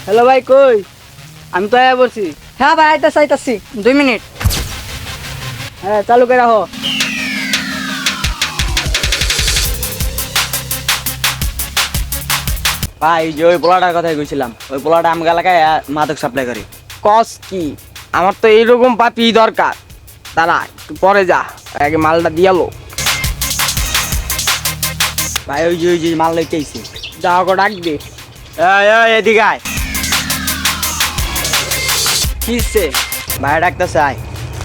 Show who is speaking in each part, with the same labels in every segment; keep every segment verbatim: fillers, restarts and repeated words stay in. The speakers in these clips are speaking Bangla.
Speaker 1: হ্যালো ভাই, কই? আমি তো আয়া বলছি।
Speaker 2: হ্যাঁ ভাই, আইতাছি আইতাছি, দুই মিনিট।
Speaker 1: হ্যাঁ, চালু করে রাখো।
Speaker 3: ভাই যে ওই পোলাটার কথাই কইছিলাম, ওই পোলাটা আমগা এলাকায় আহ, মাদক সাপ্লাই করে।
Speaker 1: কস কি? আমার তো এইরকম পাপি দরকার। দাঁড়া, একটু পরে যা, আগে মালটা দিয়ালো।
Speaker 3: ভাই ওই যে ওই যে মাল লইতে আইছে।
Speaker 1: যা ওকে ডাক দে।
Speaker 3: এই এই এদিকে আয়।
Speaker 1: কিসে?
Speaker 3: ভাই ডাকতেছে আয়।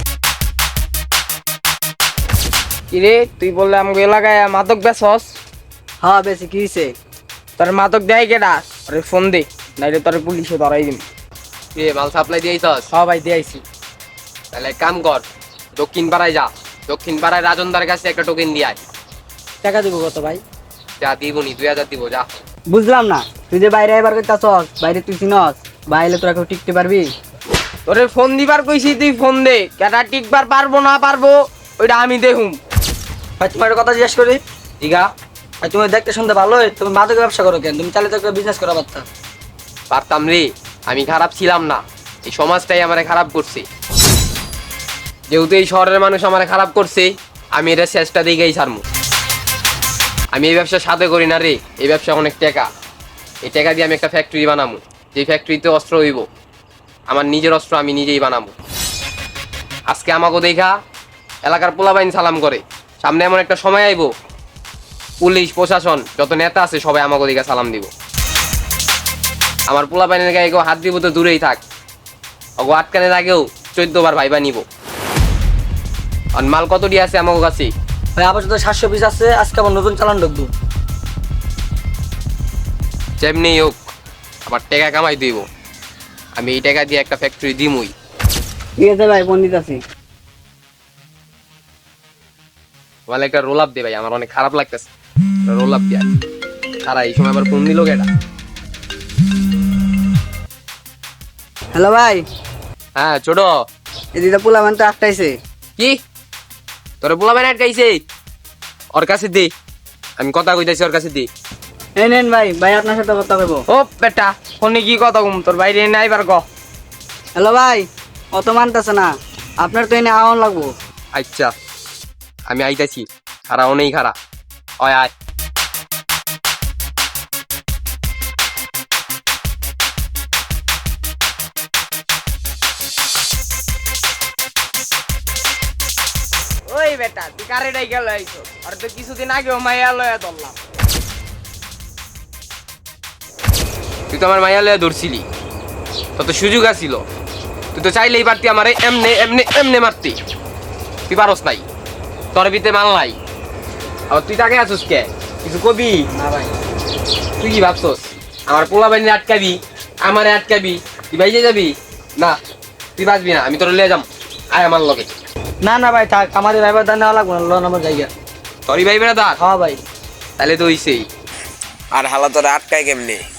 Speaker 1: কিরে, তুই বললে আমাকে এলাকায় মাদক বেচস?
Speaker 2: হ্যাঁ বেশি কি হয়েছে?
Speaker 1: তোর মাদক দেয় কেডা? আরে ফোন দে, নাইলে তোর পুলিশে ধরাই দিন।
Speaker 4: এ মাল সাপ্লাই দিয়েছস?
Speaker 1: হ্যাঁ ভাই, দিয়েছি।
Speaker 4: তাহলে এক কাম কর, দক্ষিণ পাড়ায় যা। দক্ষিণ পাড়ায় রাজনদার কাছে একটা টোকেন দিয়ে আয়।
Speaker 2: টাকা দিব কত ভাই?
Speaker 4: যা দিবনি, দুই হাজার দিব, যা।
Speaker 2: বুঝলাম না, তুই যে বাইরে এবার কইতাছস, বাইরে তুই চিনস, বাইরে তোরা কেউ টিকতে পারবি?
Speaker 1: তোরে ফোন দিবার কইছি, তুই ফোন দে। কেডা টিকবার পারবো না পারবো ওইটা আমি দেখুম।
Speaker 2: ভাই তোমার একটা কথা জিজ্ঞেস করি।
Speaker 1: দিঘা,
Speaker 2: ভাই তুমি দেখতে শুনতে ভালোই, তুমি মাদকের ব্যবসা করো কেন? তুমি চাইলে তো একটা বিজনেস করা পারতা।
Speaker 4: পারতাম রে, আমি খারাপ ছিলাম না, এই সমাজটাই আমারে খারাপ করছে। যেহেতু এই শহরের মানুষ আমারে খারাপ করছে, আমি এটা শেষটা দিকেই ছাড়মু। আমি এই ব্যবসা সাথে করি না রে, এই ব্যবসা অনেক টাকা। এই টাকা দিয়ে আমি একটা ফ্যাক্টরি বানাবো, যে ফ্যাক্টরিতে অস্ত্র হইব, আমার নিজের অস্ত্র আমি নিজেই বানাবো। আজকে আমাকে দেখা এলাকার পোলাবাইন সালাম করে, সামনে এমন একটা সময় আইব, পুলিশ প্রশাসন যত নেতা আছে সবাই আমাকে দেখা সালাম দিব। আমার পোলাবাইনের গায়ে কেউ হাত দিব তো দূরেই থাক, অগো আটকানের আগেও চোদ্দ বার ভাইবা নিব। আর মাল কত দিয়ে আছে আমার কাছে?
Speaker 2: ভাই আপাতত সাতশো পিস আছে, আজকে আমার নতুন চালান ঢুকবো।
Speaker 4: যেমনি হোক আবার টাকা কামাই দিব, আমি এই টাকা দিয়ে একটা ফ্যাক্টরি দিমই।
Speaker 1: ঠিক আছে ভাই, ফোন দিতেছি।
Speaker 4: আমার একটা রোল আপ দে ভাই, আমার অনেক খারাপ লাগতেছে। রোল আপ দিয়া তারা এই সময় আবার ফোন দিল কেটা?
Speaker 2: হ্যালো ভাই,
Speaker 4: হ্যাঁ ছোট,
Speaker 2: এদিকে পোলা মান তো আটটাইছে।
Speaker 4: কি তোর পোলাবাইন আটকাইছে? ওর কাছে দে, আমি কথা কইতাছি, ওর কাছে দে।
Speaker 2: এই নেন ভাই, ভাই আপনার সাথে কথা কইবো।
Speaker 1: ও বেটা, ফোনে কি কথা কম? তোর বাইরে নাই বার ক।
Speaker 2: হ্যালো ভাই, অত মানতেছে না, আপনার তো এনে আওয়ান লাগবো।
Speaker 4: আচ্ছা আমি আইতাছি, খারা অনেক খারা। অয় আয়।
Speaker 1: ওই বেটা, তুই কারে ডাইকা লইছো? আর তো কিছুদিন আগেও মাইয়া লয়া ধরলাম।
Speaker 4: তুই তো আমার মাইয়া লইয়া ধরছিলি, তত সুযোগ আছিল, তুই তো চাইলেই পারতি আমারে এমনে এমনে এমনে মারতি। তুই পারস নাই, তোর ভিতরে মাল নাই। আবার তুই তাকে আছিস কে? কিছু কবি
Speaker 2: না ভাই,
Speaker 4: তুই কি ভাবছস আমার পোলা বাহিনী আটকাবি, আমারে আটকাবি, তুই বাইজে যাবি? না, তুই বাঁচবি না, আমি তোর লিয়ে যাম। আয় আমার লগে।
Speaker 2: না না ভাই থাক, আমাদের ভাইবার দান নেওয়া লাগবো না, লোন আমার জায়গা।
Speaker 4: তোরই ভাই বেড়া দাঁড়,
Speaker 2: হ্যাঁ ভাই।
Speaker 4: তাহলে তো হইছেই।
Speaker 5: আর হালা তোরা আটকায় কেমনে?